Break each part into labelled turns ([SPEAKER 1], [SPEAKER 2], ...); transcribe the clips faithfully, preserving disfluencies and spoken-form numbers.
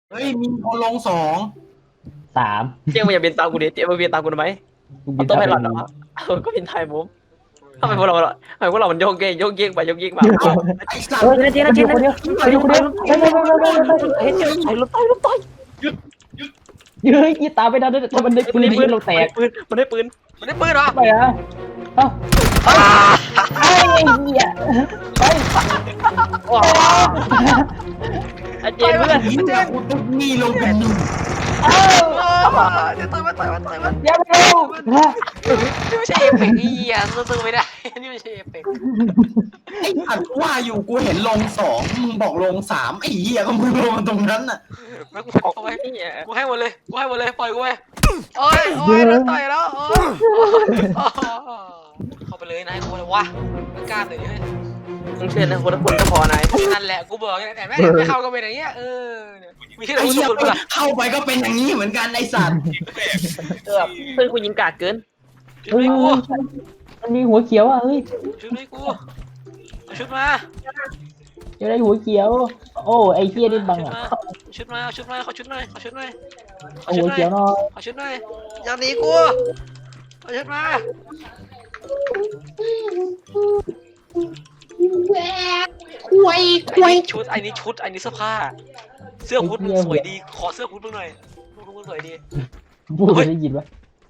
[SPEAKER 1] เฮ้ยมีคนลงสอง
[SPEAKER 2] สาม
[SPEAKER 3] เจ๊มึงอย่าบินตามกูดิเจ๊มึงบินตามกูทำไมเอาตัวไพลอตเหรอเออก็บินไทยมุมทำไมพวกเราทำไมพวกเรามันโยกเยกโยกเยกไปโยกเยกมา
[SPEAKER 1] ไอ้สัต
[SPEAKER 2] เฮ้
[SPEAKER 1] ว์
[SPEAKER 2] ยเจ๊นะเจ๊นะเจ๊นะอยู่คนเดียวเฮ้ยเฮ้ยเฮ้ยเฮ้ยเฮ้ย
[SPEAKER 3] เฮ้ยเจ๊รถต่อยรถต่อย
[SPEAKER 2] เฮ้ยยี่ตามไปได้ด้วยถ้ามันได้ปืนยิงเราแตก
[SPEAKER 3] ปืนมันได้ปืนมันได้ปืนเหรอ
[SPEAKER 2] ไปอ่ะเอ้าไอ้เหี้ยไป
[SPEAKER 3] ไอ้เจ๊เพื่อน
[SPEAKER 1] ยิงจากกูตุ๊กนี่ลงเป็นหนึ่ง
[SPEAKER 2] เอ้า
[SPEAKER 4] จะต่อยมันต่อยมันต่อยมัน
[SPEAKER 2] อย่าไปเร็ว
[SPEAKER 4] นี่ไม่ใช่เอฟเฟกต์นี่อ่ะตื้อไม่ได้นี่ไม่ใช่เอฟเฟกต์
[SPEAKER 1] ไอ้สัตว์ว่าอยู่กูเห็นลงสองมึงบอกลงสามไอ้เหี้ยก็มึงลงตรงนั้นน่ะ
[SPEAKER 4] ไม่กูเอาไว้กูให้หมดเลยกูให้หมดเลยปล่อยกูไปโอ้ยโอ้ยโดนต่อยแล้วโอ้ยเข้าไปเลยนายกูเลยวะไม่กล้าเลย
[SPEAKER 3] มึงเชื่อนะคนละคนก็พอนาย
[SPEAKER 4] นั่นแหละกูบอกแต่ไม่ไม่เข้าก็เป็นอย่างเงี้ยเออมีแค่
[SPEAKER 1] ไอ้
[SPEAKER 4] รู้
[SPEAKER 1] เหี้ย
[SPEAKER 4] สุดๆป่ะ
[SPEAKER 1] เข้าไปก็เป็นอย่างนี้เหมือนกันไอ้สัตว์
[SPEAKER 3] เออเพื่อนกูยิงกาดเกิน
[SPEAKER 4] ชุดนี้กู
[SPEAKER 2] มันมีหัวเขียวอ่ะเฮ้ย
[SPEAKER 4] ชุดนี้กูชุดมา
[SPEAKER 2] จะได้หัวเขียวโอ้ไอ้เหี้ยนี่บังอ่ะ
[SPEAKER 4] ชุดมาชุดมาขอชุดหน่อยขอชุดหน่อยขอ
[SPEAKER 2] เอา
[SPEAKER 4] ชุ
[SPEAKER 2] หั
[SPEAKER 4] ด
[SPEAKER 2] ว
[SPEAKER 4] หน่
[SPEAKER 2] เขี
[SPEAKER 4] อย
[SPEAKER 2] ยวหน่อย
[SPEAKER 4] ขอชุดหน่อยอย่าหนีกูขอชุดมา
[SPEAKER 1] คุยคุย
[SPEAKER 4] ชุดไอ้นี้ชุดไอ้นี้เสื้อผ้าเสื้อฮูดมึงสวยดีขอเสื้อฮูดมึงหน่อยมึงสวยดี
[SPEAKER 2] พูดได้ยินปะ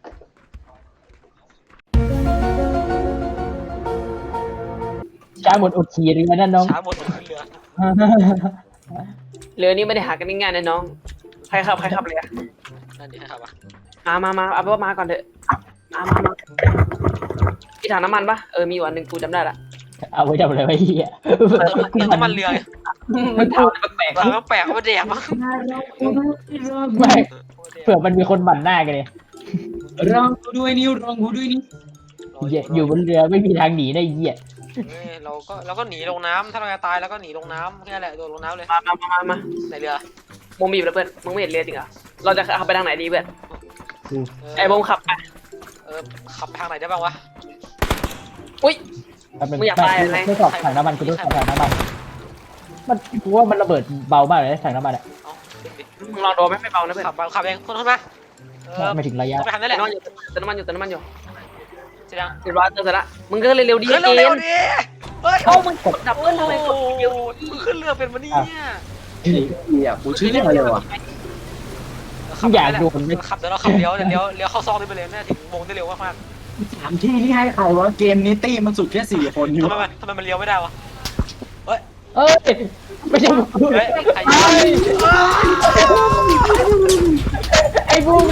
[SPEAKER 2] ช้าหมดอดฉี่เลยนะน้อง
[SPEAKER 4] ช้าหมดขึ้นเรือ
[SPEAKER 3] เรือนี้ไม่ได้หากันง่ายๆนะน้องใครขับใครขับเรือ
[SPEAKER 4] นั่นดิครับอ่ะ
[SPEAKER 3] มามามาเอาไปว่ามาก่อนเถอะมามามาพี่ถังน้ำมันปะเออมีอยู่อันหนึ่งกูจำได้ละ
[SPEAKER 2] เอาไว้ทำอะไรไว้เหี้ย
[SPEAKER 4] เติมเติมน้ำมันเรือ
[SPEAKER 3] มันถามแปลกๆ
[SPEAKER 4] ถาม
[SPEAKER 3] วะ
[SPEAKER 4] ว่าแปลกว่าแดกมั้ง
[SPEAKER 2] ไม่เผื่อมันมีคนบั่นหน้ากันเลย
[SPEAKER 1] รองกูด้วยนิ้วรองกูด้วยนี่
[SPEAKER 2] เหี้ยอยู่บนเรือไม่มีทางหนีได้เหี้ย
[SPEAKER 4] เราก็เราก็หนีลงน้ำถ้าเราจะตายเราก็หนีลงน้ำแค่นั้นแหละโดดลงน้ำเลย
[SPEAKER 3] มามามามามา
[SPEAKER 4] ในเรือ
[SPEAKER 3] มึงบีบแล้วเพื่อนมึงไม่เห็นเรือจริงเหรอเราจะขับไปทางไหนดีเพื่อนไอ้บงขับไป
[SPEAKER 4] เออขับทางไหนได้บ้างวะ
[SPEAKER 3] อุ้ย
[SPEAKER 2] แป๊บนึง
[SPEAKER 3] มึงอยากตายอะไร
[SPEAKER 2] ไม่สอบถังน้ำมันกูด้วยถังน้ำมันมันกูว่ามันระเบิดเบามากเลยถังน้ำมันอ่ะ
[SPEAKER 4] เอาดิดิ
[SPEAKER 3] มึงลองโดนไหมไม่เบานะเพื่อน
[SPEAKER 4] ขับมาขับเองคนขึ้นมาเออ
[SPEAKER 2] ไม่ถึงระยะ
[SPEAKER 4] ไปทางนั้นแห
[SPEAKER 3] เติ
[SPEAKER 4] ละ
[SPEAKER 3] มน้ำมันอยู่เติมน้ำมันอยู่เติมน้ำมันอยู่
[SPEAKER 4] เสร็จยัง
[SPEAKER 3] เรียบร้อยเติมเสร็จละมึงก็เร็วๆดี
[SPEAKER 4] เฮ้ย
[SPEAKER 3] เก
[SPEAKER 4] เร็ว
[SPEAKER 3] ม
[SPEAKER 4] ๆดิเฮ้ย
[SPEAKER 3] เอ้ามึงกดดับเบิ้ลทำไมกดเดียว
[SPEAKER 4] มึงขึ้นเรือเป็นวันนี้เนี่ย
[SPEAKER 1] เหี้ยกูชื่ออะไรวะ
[SPEAKER 2] อยากโดนไม่
[SPEAKER 4] ขับเดี๋ยวเราขับเลี้ยวเดี๋ยวเลี้ยวเข้าซองได้ไปเลยน่าถึงวงได้เร็วมาก
[SPEAKER 1] สามที่ที่ให้ใครวะเกมนี้ตี้มันสุดแค่สี่คนอยู่
[SPEAKER 4] ทำไมมันทำไมมันเลี้ยวไม่ได้วะ
[SPEAKER 2] เอ้ยไม่ใช่กู
[SPEAKER 4] เฮ้ยใคร
[SPEAKER 2] ไอ้บูม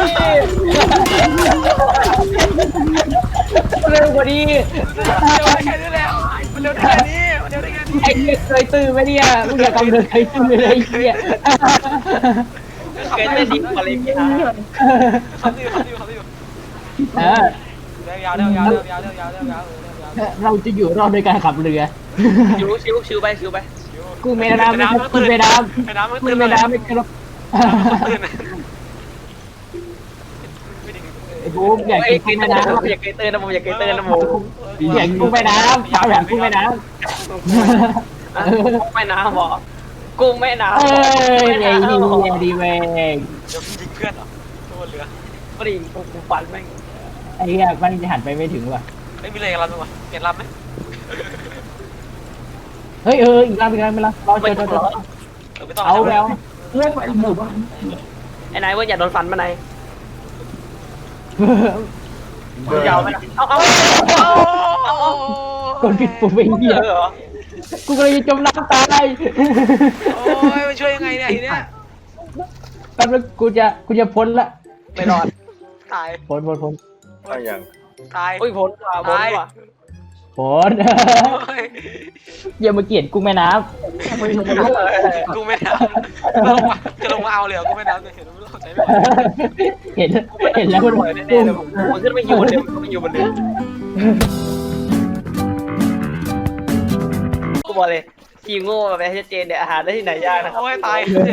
[SPEAKER 2] เร็วกว่านี้
[SPEAKER 4] เร็วได้แค่นี้แล้วมันเร็วได้แค่นี้มันเร็วได้แค่นี้
[SPEAKER 2] ไอ้เหี้ยเคยตื่นไหมเนี่ยมึงอย่ากำเนิดเคยตื่นเลยไอ้เหี้ย
[SPEAKER 3] เกินไม่ดีกว่าเลยพี่ฮะ
[SPEAKER 4] ขับอยู่ขับอยู่ขับอยู่
[SPEAKER 2] เออ
[SPEAKER 4] เร็วยาวเร็วยาวเร็วยาวเร็วยาวเร็วยาวเร็วยาว
[SPEAKER 2] เราจะอยู่รอดโดยการขับเรือ
[SPEAKER 3] ชิวชิวชิวไปชิวไป
[SPEAKER 2] กูไม่น้ำไม่กูไม่น้ำ
[SPEAKER 4] ไอ้น้ำมัน
[SPEAKER 2] กู
[SPEAKER 4] ตื่น
[SPEAKER 2] ไม่
[SPEAKER 4] เลย
[SPEAKER 2] น้ำไม่กระ
[SPEAKER 4] ตื่น
[SPEAKER 2] ไอ้บูมอยาก
[SPEAKER 3] อยาก
[SPEAKER 2] กิน
[SPEAKER 3] เก
[SPEAKER 2] กุ้
[SPEAKER 3] ย
[SPEAKER 2] ง
[SPEAKER 3] เตื
[SPEAKER 2] แม่
[SPEAKER 3] อน
[SPEAKER 2] น้
[SPEAKER 3] อยากเกยเตือนนะผมอยากเกยเตือนนะผม
[SPEAKER 2] ำอยากกุ้งแม่น้ำชาวอยากกุ้งแม่น้
[SPEAKER 3] กุ้งแม่น้ำหรอกุ้งแม่น้ำ
[SPEAKER 2] ำเอ้ยไอ้ดีดีเว้ย
[SPEAKER 4] เดี๋ยวยิงเพื่อนเหรอตัวเรือ
[SPEAKER 3] ไม่ได้กูฝันแม่ง
[SPEAKER 2] ไอ้เหี้ยมันจะหันไปไม่ถึงว่ะ
[SPEAKER 4] ไม่มีอะไรกันลำมั้งวะเปลี่ยนลำไหม
[SPEAKER 2] เฮ้ยเอออีกลำอีกลำไม่ละเราเจอเจอเจอ
[SPEAKER 4] เออไม่ต้อง
[SPEAKER 2] เอาแล้ว
[SPEAKER 1] เล่นไปหมู่บ้าน
[SPEAKER 3] ไอ้นายว่าอย่าโดนฟันมาไหนยาวไหมล่ะเอาเอา
[SPEAKER 2] กดผิดปุ่มไปเหี้ย
[SPEAKER 3] เหรอ
[SPEAKER 2] กูกำลังจะจมน้ำตาย
[SPEAKER 4] โอ้ยมันช่วยยังไงเนี่ยทีเนี้ย
[SPEAKER 2] แป๊บนึงกูจะกูจะพ้นละ
[SPEAKER 3] ไม่รอด
[SPEAKER 4] ตาย
[SPEAKER 2] พ้นพ้นพ้น
[SPEAKER 4] ตาย
[SPEAKER 3] โอ้ยพ้นว่ะพ้นว่ะ
[SPEAKER 2] พ้นอย่ามาเกลียดกุ้งแม่น้
[SPEAKER 4] กูไม่ทำลงมาจะลงมาเอาเลยกูไม่ทำจะเห็นไม่เข้าใจไม่
[SPEAKER 2] ำเห็นเห็นแล้วมัน
[SPEAKER 3] แน่ๆเลยผมมันขึ้นไม่อยู่บนเรือมันไม่อยู่บนเรือกูบอกเลยทีมโง่แบบชัดเจนเนี่ยอาหารได้ที่ไหนยากนะครับ
[SPEAKER 4] โอ้ยตาย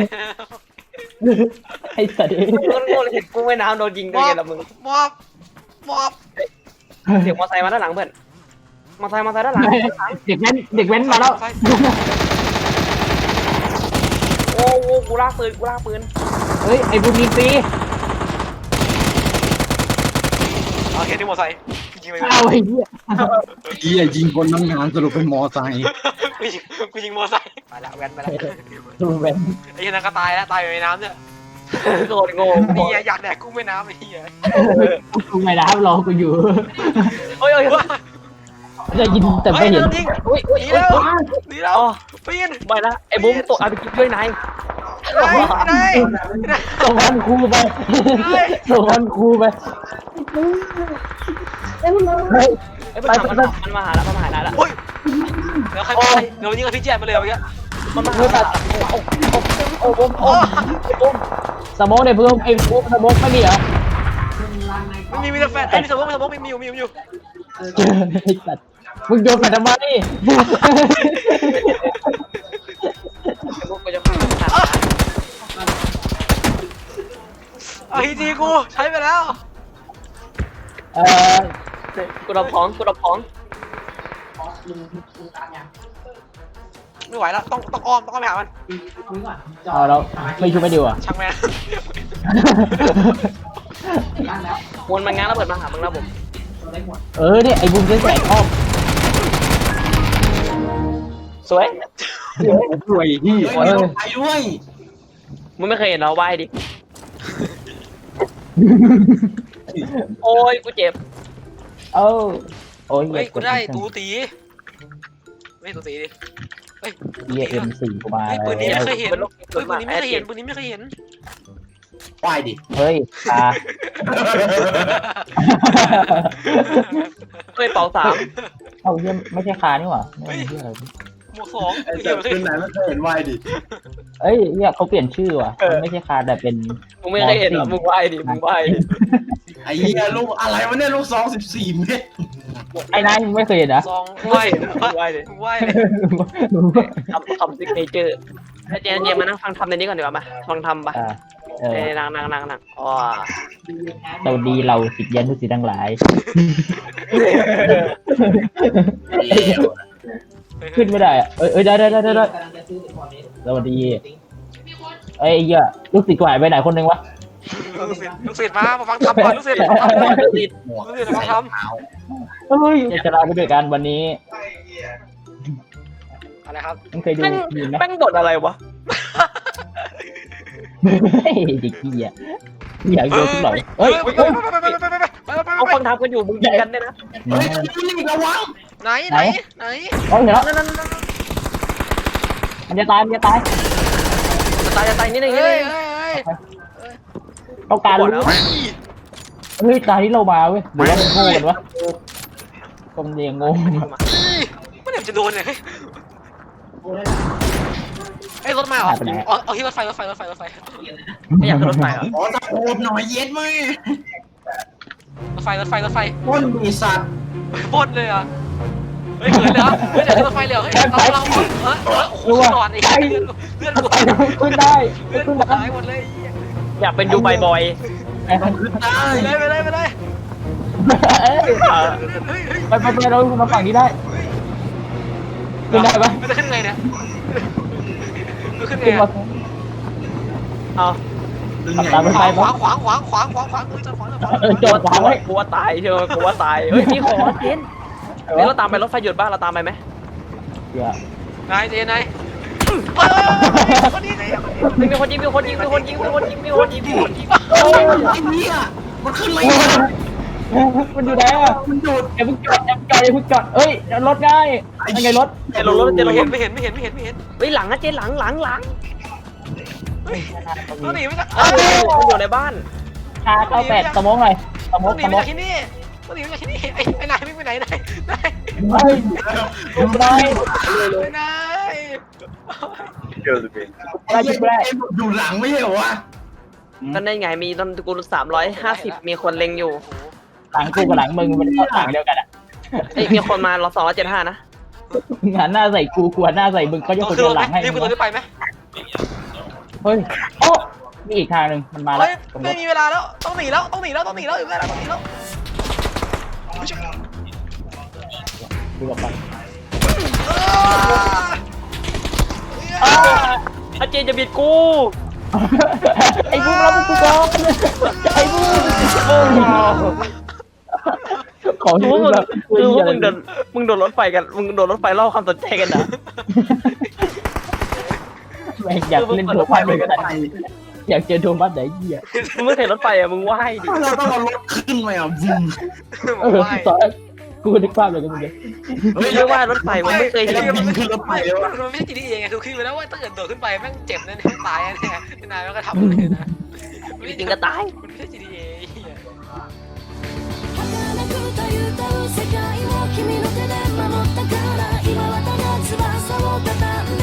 [SPEAKER 2] ไอ้สัตว์
[SPEAKER 3] โง่เลยเห็นกูไม่น้ำโดนยิงด้วยไงล่ะมึง
[SPEAKER 4] มอบมอบ
[SPEAKER 3] เสียงมอไซค์มาด้านหลังเพื่อนมอไซค์มอไซค์ด้านหลัง
[SPEAKER 2] เด็กแว้นเด็กแว้นมาแล้ว
[SPEAKER 3] โอ้โหกูลากปืนกูลากปืน
[SPEAKER 2] เฮ้ยไอ้บุญมีฟรี
[SPEAKER 4] โอเคที่มอไซค์ยิงไป
[SPEAKER 2] เอาไอ้เหี้ย
[SPEAKER 1] เฮียยิงคนทำงานสรุปเป็นมอไซค์
[SPEAKER 4] กูยิงกูยิงมอไซค์ไปละแว้นไปละ
[SPEAKER 2] ดูแบน
[SPEAKER 4] ไอ้เหี้ยนั่นก็ตายแล้วตายอยู่ในน้ำเนี่ย
[SPEAKER 3] โคตรโง่
[SPEAKER 4] นี่อยากแดกกุ้งแม่น้ำไอ้เหี้ย
[SPEAKER 2] กูไม่รับรอกูอยู่
[SPEAKER 3] เฮ้ยเฮ้ย
[SPEAKER 2] จะยินแต่ไม่
[SPEAKER 4] เฮ้ย
[SPEAKER 2] เห็น
[SPEAKER 4] โดนยิง
[SPEAKER 3] เฮ้ยเฮ้ย
[SPEAKER 4] หนี
[SPEAKER 3] เฮ้
[SPEAKER 4] แล้
[SPEAKER 3] ยว
[SPEAKER 4] หนีแล้ว
[SPEAKER 3] อ๋อ
[SPEAKER 4] ปีน
[SPEAKER 3] ไปละไอ้บุ้มตกอาไปกินด้วยนาย
[SPEAKER 4] ไหนไหนไหน
[SPEAKER 2] ส่งวันครูไปส่งวันครูไปเฮ้ย
[SPEAKER 3] ไอ้มันมันมันมาหาละมันมาหาละ
[SPEAKER 4] โอ้ยแล้วใครไปเดี๋ยวยิงกับพี่แจ๊ดมาเลยเมื่อกี้
[SPEAKER 3] มันมาหาละโอ้โหโอ้โห
[SPEAKER 4] โอ้
[SPEAKER 2] สมองในเพิ่มไอ้ปุ๊บสมองไม่มีเหรอ
[SPEAKER 4] ไม่มีมีแต่แฟนไอ้มีสมองมีสมองมีอยู่มีอยู่มีอยู่
[SPEAKER 2] ไอ้สัตว์มึงโยนไปทำไม
[SPEAKER 3] พวกกูจะฆ่า
[SPEAKER 4] เอาทีจีกูใช้ไปแล้ว
[SPEAKER 2] เออ
[SPEAKER 3] กูรับของกูรับของ
[SPEAKER 4] ไม่ไหวแล้วต้องต้องอ้อมต้องอ้อมไปหามัน
[SPEAKER 2] เอาแล้วไม่ช่วยไม่ดีอ่ะ
[SPEAKER 4] ช่างแม่
[SPEAKER 3] มวลมันง้างระเบิดมาหามึงแล้วผม
[SPEAKER 2] เออเนี่ยไอ้บุ้มจะใส่ครอบ
[SPEAKER 3] สวย
[SPEAKER 1] สวยที่เฮ้ยไปด้วย
[SPEAKER 3] มึงไม่เคยเห็นเราไหว้ดิโอ้ยกูเจ็บ
[SPEAKER 2] เออโอ้ย
[SPEAKER 4] เฮ้ยกูได้ตูตีไม่ตูตีดิเฮ้ย
[SPEAKER 2] เยี่ยเอ็มสี่กูมา
[SPEAKER 4] เฮ้ยปืนนี้
[SPEAKER 2] แล้
[SPEAKER 4] ไม่
[SPEAKER 2] ว
[SPEAKER 4] เคยเห็นเฮ้ยปืนนี้ไม่เคยเห็นปืนนี้ไม่เคยเห็น
[SPEAKER 1] ไหวดิ
[SPEAKER 2] เฮ้ยตา
[SPEAKER 3] เฮ้ยเป่าสาม
[SPEAKER 2] เอาเยี่ยไม่ใช่คานี่หว่าไม่ใช่อะไร
[SPEAKER 4] หมวกสอง
[SPEAKER 1] ไอ้
[SPEAKER 4] เหี้
[SPEAKER 1] เจ้าย
[SPEAKER 4] ไม่เคย
[SPEAKER 1] ขึ้นไหนไม่เคยเห็นไหวดิ
[SPEAKER 2] เอ้ยเนี่ยเขาเปลี่ยนชื่อว่ะมันไม่ใช่คาแต่เป็น
[SPEAKER 3] มึงไม่เคยเห็นหรอมึงไหว้ดิมึงไหว้ดิ
[SPEAKER 1] ไอ้เหี้ยลูกอะไรวะเนี่ยลูกซองสิบสี่เมตร
[SPEAKER 2] ไอ้นายมึงไม่เคยเห็นนะ
[SPEAKER 4] สองไหว
[SPEAKER 3] มึงไหว้ดิ
[SPEAKER 4] ไหว
[SPEAKER 3] ทำทำซิกเนเจอร์เจนเจนมานั่งฟังทำในนี้ก่อนดีกว่ามาฟังทำปะ
[SPEAKER 2] อ่าเออ
[SPEAKER 3] เอ้ยนั่งนั่งนั่งนั่งอ๋อ
[SPEAKER 2] เราดีเราสิทธิ์ยันทุกสิ่งทั้งหลาย ขึ้นไม่ได้อะเอ้ยเอ้ยได้ได้ได้ได้ได้สวัสดีเอ้ยไอ้เหี้ยลูกศิษย์กูหายไปไหนคนหนึงวะ
[SPEAKER 4] ลูกศิษย์ลูกศิษย์มามาฟังทำก่อนลูกศิษย์มาฟังทำก่อน
[SPEAKER 3] ติด
[SPEAKER 1] หมวก
[SPEAKER 4] ลูกศิษย์มาฟังท
[SPEAKER 2] เฮ้ยจะลาไปด้วยกันวันนี้
[SPEAKER 4] ำอะไรครับ
[SPEAKER 2] มึงเคยดู
[SPEAKER 3] แม่ง
[SPEAKER 2] มีไหม
[SPEAKER 3] แม่งบทอะไรวะ
[SPEAKER 2] เฮ้ยเด็กเหี้ยอยากดูทุกหน่อย
[SPEAKER 4] เฮ้
[SPEAKER 2] เฮ้
[SPEAKER 4] ย
[SPEAKER 2] ย
[SPEAKER 4] ไปไปไปไปไปไปไปไป
[SPEAKER 3] เอาฟังทำกันอยู่มึงยิงกันได้นะ
[SPEAKER 1] เฮ้ยนี่ระวัง
[SPEAKER 4] ไหนไหนไหน
[SPEAKER 2] เฮ้ยเห็นแล้ว
[SPEAKER 3] นั่นนั่นนั่น
[SPEAKER 2] มันจะตายมันจะตาย
[SPEAKER 3] จะตายจะตายนิดนึงนิด
[SPEAKER 4] เฮ้
[SPEAKER 3] นึ
[SPEAKER 4] ย
[SPEAKER 3] ง
[SPEAKER 4] เฮ้ย
[SPEAKER 2] ต้องการรู้เฮ้ยตายที่เรามาเว้ยหรือว่ามันโง่กันวะกงเรียงงง
[SPEAKER 4] ไม่เดี๋ยวจะโดนเลยไอ้รถมาเหรอเอาเอาที่รถไฟรถไฟรถไฟรถไฟ
[SPEAKER 3] ไม่อยากขึ้นรถไฟเหรอ
[SPEAKER 1] ขอตะโกนหน่อยเย็ดไหม
[SPEAKER 4] รถไฟรถไฟรถไฟ
[SPEAKER 1] คนมีสัตว์
[SPEAKER 4] ปล้นเลยอ่ะเฮ้ยเขินเลยอ่ะเฮ้ยเดี๋ยวรถไฟเลยเฮ้ยเราเราเออเออโอ้โหหลอดไอ้เลือดเลือดกู
[SPEAKER 2] ขึ้นได้
[SPEAKER 4] เลือด
[SPEAKER 2] ขึ้
[SPEAKER 4] กู
[SPEAKER 2] นได้
[SPEAKER 4] หายหมดเลย
[SPEAKER 3] อยากเป็นยูไบบ่อย
[SPEAKER 1] ขึ้นได้
[SPEAKER 4] ไปเลยไปเลยไปเลย
[SPEAKER 2] เอ้ย
[SPEAKER 4] เฮ้ยเฮ้ย
[SPEAKER 2] ไปไปไปเรามาฝั่งนี้ได้ขึ้นได้ปะ
[SPEAKER 4] มันจะขึ้นไงเนี่ยมันขึ้นไง
[SPEAKER 2] ขึ้นมา
[SPEAKER 3] เอา
[SPEAKER 2] ตามไป
[SPEAKER 4] ข
[SPEAKER 2] ไป
[SPEAKER 4] วาง
[SPEAKER 2] ปะ
[SPEAKER 4] ขวางขวางขวางขวางขวางขวางจอดขวางจอดขวาง
[SPEAKER 2] เออจอดขวางไว้
[SPEAKER 3] กลัวตายเชียวกลัวตายเฮ้ยมีของเจนเฮ้ยเราตามไปรถไฟหยุดบ้างเราตามไปไหม
[SPEAKER 2] เดี๋ยวน
[SPEAKER 4] ายเจนนายคนนี้เลย
[SPEAKER 3] มีคนยิงมีคนยิงมีคนยิงมีคนยิงมีคนยิงมีคนยิง
[SPEAKER 1] โอ้ยไอ้เหี้ยมันขึ้นไม่ได้
[SPEAKER 2] มันอยู่ไหนอ่ะมันหยุดอย่าเพิ่งจอดอย่าเพิ่งจอดอย่าเพิ่งจอดเอ้ยรถง่ายยังไงรถ
[SPEAKER 3] เจนรถรถเจนรถ
[SPEAKER 4] เห็นไม่เห็นไม่เห็นไม่เห็นไม่เห็น
[SPEAKER 3] เฮ้ยหลังนะเจนหลังหลังหลัง
[SPEAKER 4] ต้องหนีไม่ได้
[SPEAKER 3] เอ้ามันอยู่ในบ้าน
[SPEAKER 2] ชาเก้าแปดสมองหน่อยสม
[SPEAKER 4] ต้
[SPEAKER 2] อ
[SPEAKER 4] อง งหนี
[SPEAKER 2] สม
[SPEAKER 4] มา
[SPEAKER 2] อง
[SPEAKER 4] จากที่นี่ต้องหนีมาจากที่นี่ไอ้ไอ้นายไม่ไปไหนนายนาย
[SPEAKER 2] เฮ้ยดูได้
[SPEAKER 4] นาย
[SPEAKER 1] ไอ้เหี้ยอยู่หลังไม่ใช่เหรอวะ
[SPEAKER 3] ก็ได้ไงมีตอนกูสามร้อยห้าสิบมีคนเล็งอยู่
[SPEAKER 2] หลังกูกับหลังมึงมันก็หลังเดียวกันอ่ะ
[SPEAKER 3] เอ้ยมีคนมาเราสองร้อยเจ็ดห้านะ
[SPEAKER 2] หันหน้าใส่กูกูหันหน้าใส่มึงก็จะ
[SPEAKER 4] ต้อง
[SPEAKER 2] คน
[SPEAKER 4] ขึ้น
[SPEAKER 2] เดี
[SPEAKER 4] ร
[SPEAKER 2] ยว
[SPEAKER 4] ถ
[SPEAKER 2] ห
[SPEAKER 4] ไหม
[SPEAKER 2] ลังให้
[SPEAKER 4] รีบขึ้นรถได้ไปไหม
[SPEAKER 2] เฮ้ยโอ้มีอีกทางหนึ่งมันมาแล้ว
[SPEAKER 4] เฮ้ยไม่มีเวลาแล้วต้องหนีแล้วต้องหนีแล้วต้องหนีแล้วอยู่ไม่ได้ต้องหนีแล้ว
[SPEAKER 2] ดูออกไป
[SPEAKER 3] ไอ้อาเจนจะบิดกู
[SPEAKER 2] ไอ้บูมรับกูก่อนไอ้บูมของ
[SPEAKER 3] คือ
[SPEAKER 2] ที่
[SPEAKER 3] ว่ามึง
[SPEAKER 2] แบบ
[SPEAKER 3] คือว่ามึงโดนมึงโดนรถไฟกันมึงโดนรถไฟล่อความสนใจกันนะ
[SPEAKER 2] แม่งอยากเล่นโทรพัดเลยก็ได้อยากเจอโทรพัดไหนเหี้ย
[SPEAKER 3] มึงไม่เคยรถไฟอ่ะมึงไหว้ดิ
[SPEAKER 1] เราต้องเอารถขึ้นมาอ่ะวุ้ม
[SPEAKER 2] เออตอนกูนึกภาพเลยกันมึงเลย
[SPEAKER 3] มึงไม่ไหว้รถไฟมึงไม่เคยเห็น
[SPEAKER 1] บินขึ้นรถไฟเลยวะ
[SPEAKER 4] มันไม่ใช่ จี ที เอ ไงคือขึ้นไปแล้วว่าถ้าเกิดโดดขึ้นไปแม่งเจ็บแน่ๆตายแน่ๆนายมันก็ทำเลยนะ
[SPEAKER 3] จริงๆก็ตาย
[SPEAKER 4] มันไม่ใช่ จี ที เอ
[SPEAKER 5] 儚く歌う世界を君の手で守ったから今はただ翼をたたん